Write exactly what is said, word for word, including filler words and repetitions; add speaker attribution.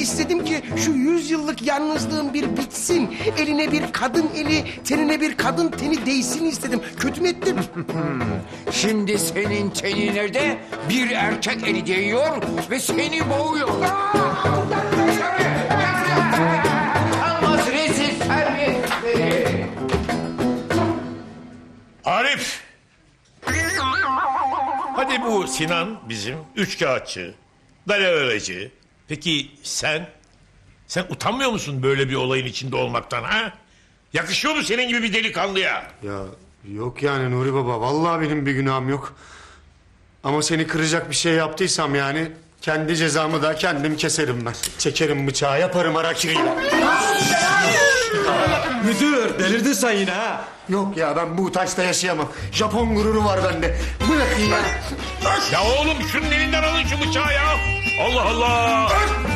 Speaker 1: İstedim ki şu yüz yıllık yalnızlığım bir bitsin. Eline bir kadın eli, tenine bir kadın teni değsin istedim. Kötü mü ettim?
Speaker 2: Şimdi senin tenine de bir erkek eli değiyor ve seni boğuyor. Almaz rezil terbiyesiz.
Speaker 3: Arif! Hadi bu Sinan bizim üçkağıtçı, dalavereci. Peki sen? Sen utanmıyor musun böyle bir olayın içinde olmaktan ha? Yakışıyor mu senin gibi bir delikanlıya?
Speaker 4: Ya yok yani Nuri Baba. Vallahi benim bir günahım yok. Ama seni kıracak bir şey yaptıysam yani... kendi cezamı da kendim keserim ben. Çekerim bıçağı, yaparım harakiriyle.
Speaker 5: Müdür delirdin sen yine ha.
Speaker 4: Yok ya, ben bu taşta yaşayamam. Japon gururu var bende. Bırakın ya.
Speaker 3: Ya oğlum şunun elinden alın şu bıçağı ya. Allah Allah.